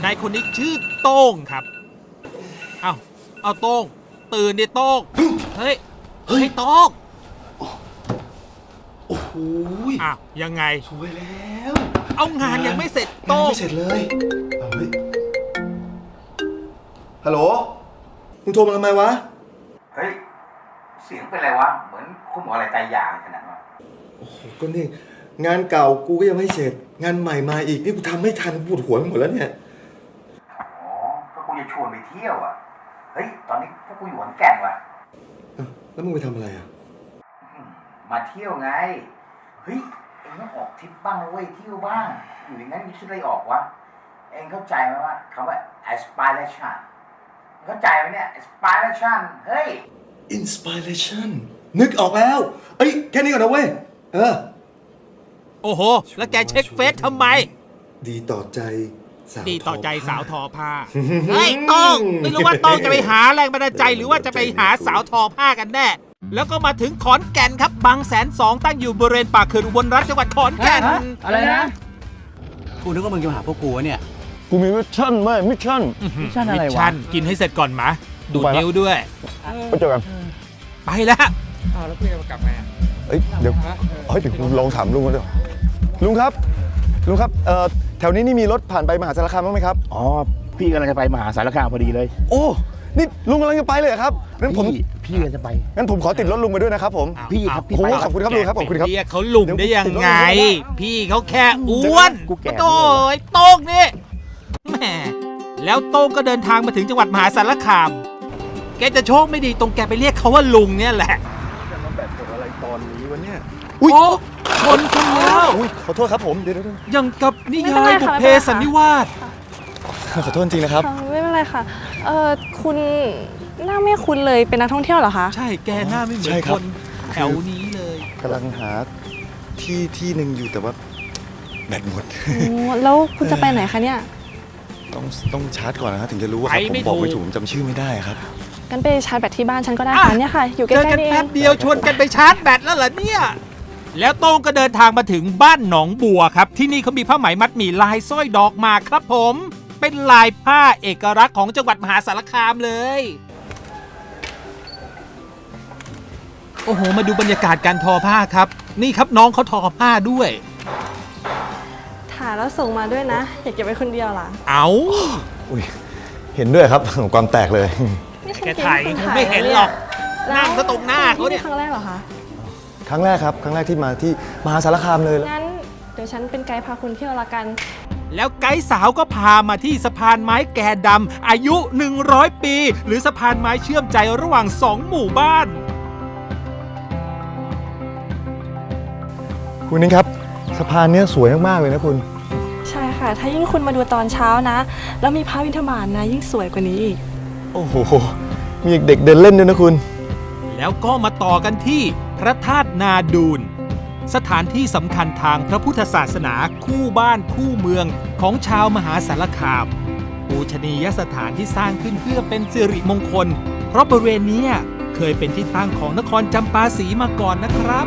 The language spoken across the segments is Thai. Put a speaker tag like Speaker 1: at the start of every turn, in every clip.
Speaker 1: ายคนนี้ชื่อโต้งครับเอาโต้งตื่นดิโต้งเฮ้ยโต้ง
Speaker 2: โอ้โห
Speaker 1: ยังไง
Speaker 2: สวยแล้ว
Speaker 1: เอางานยังไม่เสร็จโต้ง
Speaker 2: ไม่เสร็จเลยเฮ้ยฮัลโหลมึงโทรมาทำไมวะ
Speaker 3: เฮ้ยเสียงเป็นไรวะเหมือนคุณหมออะไรตายอย่างขนาดนั้น
Speaker 2: โอ้โหก็นี่งานเก่ากูก็ยังไม่เสร็จงานใหม่มาอีกนี่กูทำไม่ทันปวดหัวไปหมดแล้วเนี่ย
Speaker 3: อ๋อก็กูจะชวนไปเที่ยวอ่ะเฮ้ยตอนนี้พวกกูอยู่ขอนแก่นว่ะ
Speaker 2: แล้วมึงไปทำอะไรอ่ะ
Speaker 3: มาเที่ยวไงเฮ้ยเอ็งต้องออกทริปบ้างนะเว้ยเที่ยวบ้างอยู่อย่างนั้นมึงคิดอะไรออกวะเอ็งเข้าใจไหมว่าคำว่า aspiration เข้าใจไหมเนี่ย aspiration เฮ้ย
Speaker 2: inspiration นึกออกแล้วเอ้ยแค่นี้ก่อนนะเว้ย
Speaker 1: โอ้โหแล้วแกเช็คเฟซทำไม
Speaker 2: ดีต่อใจ
Speaker 1: สาวทอผ้าเฮ้ยโต้งไม่รู้ว่าโต้งจะไปหาแรงบันดาลใจหรือว่าจะไปหาสาวทอผ้ากันแน่แล้วก็มาถึงขอนแก่นครับบางแสน2ตั้งอยู่บริเวณปากเขื่อนอุบลรัฐจังหวัดขอนแก่น
Speaker 4: อะไรนะกูนึกว่ามึงจะมาหาพวกกูเนี่ย
Speaker 5: กูมีมิชชั่นไหมมิชชั่น
Speaker 4: อะไรวะ
Speaker 1: มิชชั่นกินให้เสร็จก่อนมาดูดนิ้วด้วย
Speaker 5: ไปเจอกัน
Speaker 1: ไปแล้ว
Speaker 4: แล้วพี่จะกลับไง
Speaker 5: เดี๋ยวลองถามลุงกันด้วยลุงครับแถวนี้นี่มีรถผ่านไปมหาสารคามบ้างไหมครับ
Speaker 4: อ๋อพี่กำลังจะไปมหาสารคามพอดีเลย
Speaker 5: โอ้นี่ลุงกำลังจะไปเลยครับงั้น
Speaker 4: พี่กำลังจะไป
Speaker 5: งั้นผมขอติดรถลุงไปด้วยนะครับผม
Speaker 4: พี่ครับ
Speaker 5: โอ้ขอบคุณครับลุงครับขอบคุณครับ
Speaker 1: เรียกเขาลุงได้ยังไงพี่เขาแค่อ้วนโต้ยโต้งนี่แหมแล้วโต้งก็เดินทางมาถึงจังหวัดมหาสารคามแกจะโชคไม่ดีตรงแกไปเรียกเขาว่าลุงเนี่ยแหละ
Speaker 5: จะมาแบบกดอะไรตอนนี้วะเนี่ย
Speaker 1: โอ้ชนกันแล้ว
Speaker 5: ขอโทษครับผมเดี๋ยว
Speaker 1: ยังกับนิยายบุพเพสันนิวาส
Speaker 5: ขอโทษจริงนะครับ
Speaker 6: ไม่เป็นไรค่ะคุณหน้าไม่คุ้นเลยเป็นนักท่องเที่ยวเหรอคะ
Speaker 1: ใช่แกหน้าไม่เหมือนคนแถวนี้เลย
Speaker 5: กำลังหาที่หนึ่งอยู่แต่ว่าแบตหมด
Speaker 6: แล้วคุณจะไปไหนคะเนี่ย
Speaker 5: ต้องชาร์จก่อนนะครับถึงจะรู้ว่าผมบอกไม่ถูกจำชื่อไม่ได้ครับ
Speaker 6: งั้นไปชาร์จแบตที่บ้านฉันก็ได้ค่ะเนี่ยค่ะอยู่ใกล้ๆ
Speaker 1: นี่เองแป๊บเดียวชวนกันไปชาร์จแบตแล้วเหรอเนี่ยแล้วโต้งก็เดินทางมาถึงบ้านหนองบัวครับที่นี่เขามีผ้าไหมมัดหมี่ลายสร้อยดอกหมากครับผมเป็นลายผ้าเอกลักษณ์ของจังหวัดมหาสารคามเลยโอ้โหมาดูบรรยากาศการทอผ้าครับนี่ครับน้องเขาทอผ้าด้วย
Speaker 6: ถ่ายแล้วส่งมาด้วยนะอย่าเก็บไว้คนเดียวล่ะ
Speaker 1: เอา
Speaker 5: เห็นด้วยครับความแตกเลย
Speaker 1: แกถ่ายไม่เห็นหรอกนั่งซะตรงหน้าเขาเนี่ย
Speaker 6: ครั้งแรกเหรอคะ
Speaker 5: ครั้งแรกครับครั้งแรกที่มาที่มหาสารคามเลย
Speaker 6: งั้นเดี๋ยวฉันเป็นไกด์พาคุณเที่ยวละกัน
Speaker 1: แล้วไกด์สาวก็พามาที่สะพานไม้แก่ดำอายุ100ปีหรือสะพานไม้เชื่อมใจระหว่าง2หมู่บ้าน
Speaker 5: คุณนิ้งครับสะพานนี้สวยมากๆเลยนะคุณ
Speaker 6: ใช่ค่ะถ้ายิ่งคุณมาดูตอนเช้านะแล้วมีพระวินทบาทนะยิ่งสวยกว่านี้อีก
Speaker 5: โอ้โหมีเด็กเดินเล่นด้วยนะคุณ
Speaker 1: แล้วก็มาต่อกันที่พระธาตุนาดูนสถานที่สำคัญทางพระพุทธศาสนาคู่บ้านคู่เมืองของชาวมหาสารคามปูชนียสถานที่สร้างขึ้นเพื่อเป็นสิริมงคลเพราะบริเวณนี้เคยเป็นที่ตั้งของนครจำปาสีมาก่อนนะครับ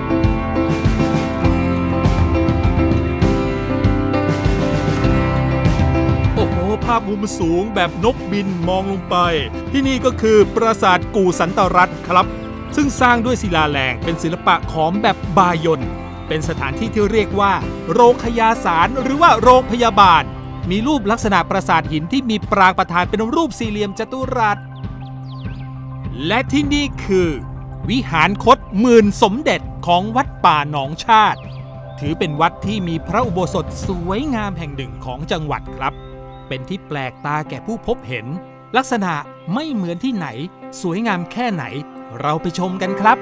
Speaker 1: โอ้โหภาพมุมสูงแบบนกบินมองลงไปที่นี่ก็คือปราสาทกู่สันตรัตน์ครับซึ่งสร้างด้วยศิลาแรงเป็นศิลปะขอมแบบบายอนเป็นสถานที่ที่เรียกว่าโรงขยาสารหรือว่าโรงพยาบาลมีรูปลักษณะปราสาทหินที่มีปรางประธานเป็นรูปสี่เหลี่ยมจัตุรัสและที่นี่คือวิหารคตหมื่นสมเด็จของวัดป่าหนองชาติถือเป็นวัดที่มีพระอุโบสถสวยงามแห่งหนึ่งของจังหวัดครับเป็นที่แปลกตาแก่ผู้พบเห็นลักษณะไม่เหมือนที่ไหนสวยงามแค่ไหนเราไปชมกันครับ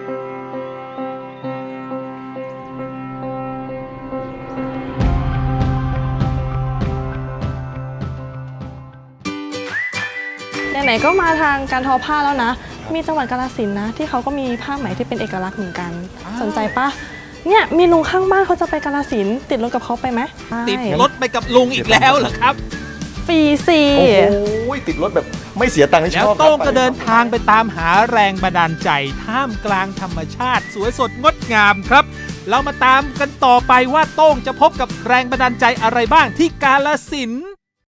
Speaker 6: ไหนๆก็มาทางการทอผ้าแล้วนะมีจังหวัดกาฬสินธุ์นะที่เขาก็มีผ้าไหมที่เป็นเอกลักษณ์เหมือนกันสนใจปะเนี่ยมีลุงข้างบ้านเขาจะไปกาฬสินธุ์ติดรถกับเขาไปไหม
Speaker 1: ติดรถไปกับลุงอีกแล้วเหรอครับ
Speaker 6: ฟรีสิ
Speaker 5: โอ้ยติดรถแบบไม่เสียตังค์ที่ชอบ
Speaker 1: แล้วโต้งก็เดินทางไปตามหาแรงบันดาลใจท่ามกลางธรรมชาติสวยสดงดงามครับเรามาตามกันต่อไปว่าโต้งจะพบกับแรงบันดาลใจอะไรบ้างที่กาฬสินธุ์